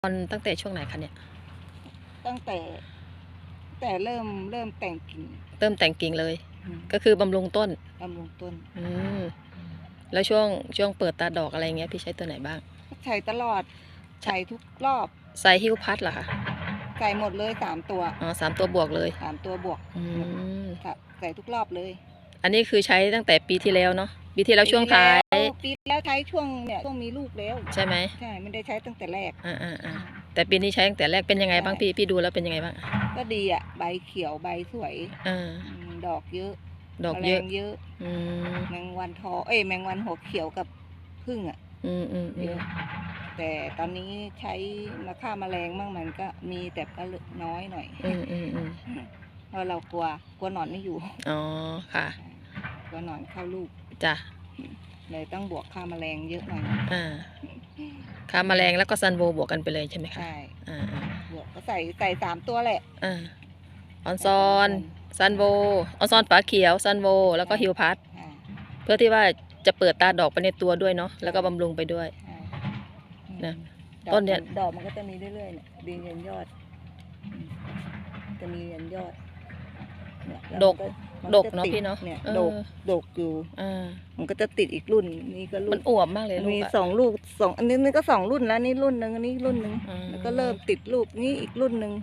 ตั้งแต่ช่วงไหนคะเนี่ยตั้งแต่เริ่มแต่งกิ่งเริ่มแต่งกิ่งเลย ก็คือบำรุงต้นบำรุงต้นแล้วช่วงเปิดตาดอกอะไรเงี้ยพี่ใช้ตัวไหนบ้างใช้ตลอดใช้ทุกรอบใส่ฮิวพัดเหรอคะใส่หมดเลย3 ตัวอ๋อ3 ตัวบวกเลย 3 ตัวบวกใส่ทุกรอบเลยอันนี้คือใช้ตั้งแต่ปีที่แล้วเนาะปีที่แล้วช่วงท้ายปีแล้วใช้ช่วงมีลูกแล้วใช่ไหมใช่ไม่ได้ใช้ตั้งแต่แรกแต่ปีนี้ใช้ตั้งแต่แรกเป็นยังไงบ้างพี่ดูแล้วเป็นยังไงบ้างก็ดีอ่ะใบเขียวใบสวยดอกเยอะดอกเยอะแมงวันทอแมงวันหัวเขียวกับผึ้งอ่ะเยอะแต่ตอนนี้ใช้มาฆ่าแมลงมั่งมันก็มีแต่ก็น้อยหน่อยเพราะเรากลัวหนอนไม่อยู่อ๋อค่ะกลัวหนอนเข้าลูกจ้ะเลยต้องบวกฆ่าแมลงเยอะหน่อยฆ่าแมลงแล้วก็ซันโวบวกกันไปเลยใช่ไหมคะใช่บวกก็ใส่3 ตัวแหละออนซอนซันโวออนซอนฝาเขียวซันโวแล้วก็ฮิวพัดเพื่อที่ว่าจะเปิดตาดอกไปในตัวด้วยเนาะแล้วก็บำรุงไปด้วยนะต้นเนี้ยดอกมันก็จะมีเรื่อยๆเนี่ยดีเรียนยอดจะมีเรียนยอดดกเนาะพี่เนาะดกอยู่มันก็จะติดอีกรุ่นนี้ก็รุ่นมันอวบมากเลยมี2 ลูกอันนี้ก็2 รุ่นแล้วนี่รุ่นนึงอันนี้รุ่นนึงแล้วก็เริ่มติดลูกนี้อีกรุ่นนึง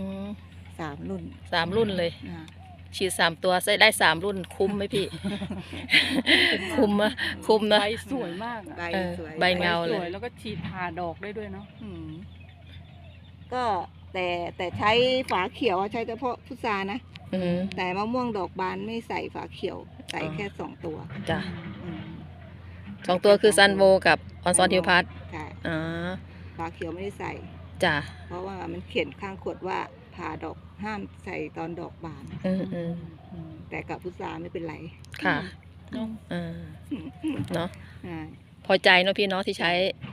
3 รุ่น 3 รุ่นเลยฉีด3 ตัวใส่ได้3 รุ่นคุ้มไหมพี่คุ้มนะใบสวยมากใบเงาเลยแล้วก็ฉีดผ่าดอกได้ด้วยเนาะก็แต่ใช้ฝาเขียวใช้เฉพาะพุทรานะแต่มะม่วงดอกบานไม่ใส่ฝาเขียวใส่แค่2 ตัวจ้ะ2 ตัวคือซันโวกับออนซอนฮิวพัดฝาเขียวไม่ได้ใส่จ้ะเพราะว่ามันเขียนข้างขวดว่าผ่าดอกห้ามใส่ตอนดอกบานแต่กับพุทราไม่เป็นไรค่ะเนาะพอใจเนาะพี่เนาะที่ใช้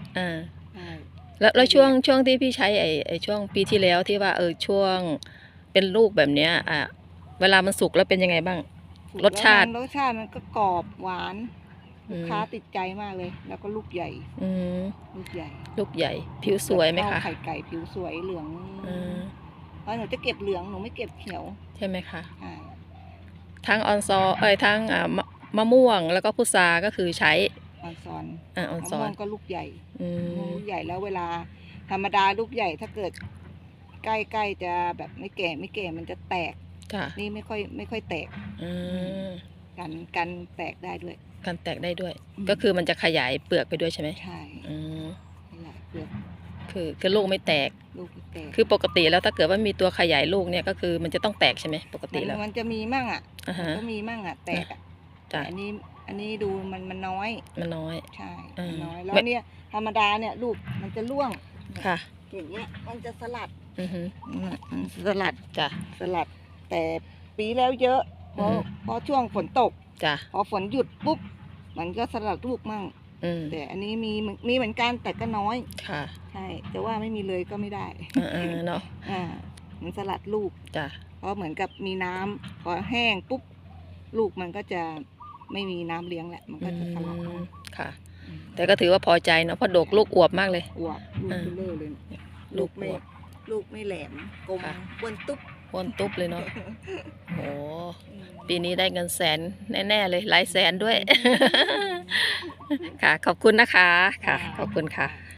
แล้วช่วงที่พี่ใช้ไอ้ช่วงปีที่แล้วที่ว่าช่วงเป็นลูกแบบเนี้ยเวลามันสุกแล้วเป็นยังไงบ้างรสชาติมันก็กรอบหวานลูกค้าติดใจมากเลยแล้วก็ลูกใหญ่ลูกใหญ่ผิวสวยไหมคะไข่ไก่ผิวสวยเหลืองเพราะหนูจะเก็บเหลืองหนูไม่เก็บเขียวใช่ไหมคะทั้งออนซอนทั้งมะม่วงแล้วก็พุทราก็คือใช้ออนซอนมะม่วงก็ลูกใหญ่ลูกใหญ่แล้วเวลาธรรมดาลูกใหญ่ถ้าเกิดใกล้จะแบบไม่แก่มันจะแตกนี่ไม่ค่อยแตกกันแตกได้ด้วยกันแตกได้ด้วยก็คือมันจะขยายเปลือกไปด้วยใช่ไหมใช่ขยายเปลือกคือลูกไม่แตกคือปกติแล้วถ้าเกิดว่ามีตัวขยายลูกเนี่ยก็คือมันจะต้องแตกใช่ไหมปกติแล้วมันจะมีมั่งก็มีมั่งแตกแต่อันนี้ดูมันน้อยใช่น้อยแล้วเนี่ยธรรมดาเนี่ยลูกมันจะร่วงค่ะอย่างเงี้ยมันจะสลัดจ้ะสลัดแต่ปีแล้วเยอะเพราะช่วงฝนตกจ้ะพอฝนหยุดปุ๊บมันก็สลัดลูกมั่งแต่อันนี้มีเหมือนกันแต่ก็น้อยค่ะใช่แต่ว่าไม่มีเลยก็ไม่ได้เนาะมันสลัดลูกจ้ะเพราะเหมือนกับมีน้ำพอแห้งปุ๊บลูกมันก็จะไม่มีน้ำเลี้ยงแหละมันก็จะสลัดค่ะแต่ก็ถือว่าพอใจเนาะเพราะดกลูกอวบมากเลยอวบลูกเบลอเลยลูกไม่แหลมกลมอ้วนตุ๊บเลยเนาะโอ้ปีนี้ได้เงินแสนแน่ๆเลยหลายแสนด้วยค่ะขอบคุณนะคะค่ะขอบคุณค่ะ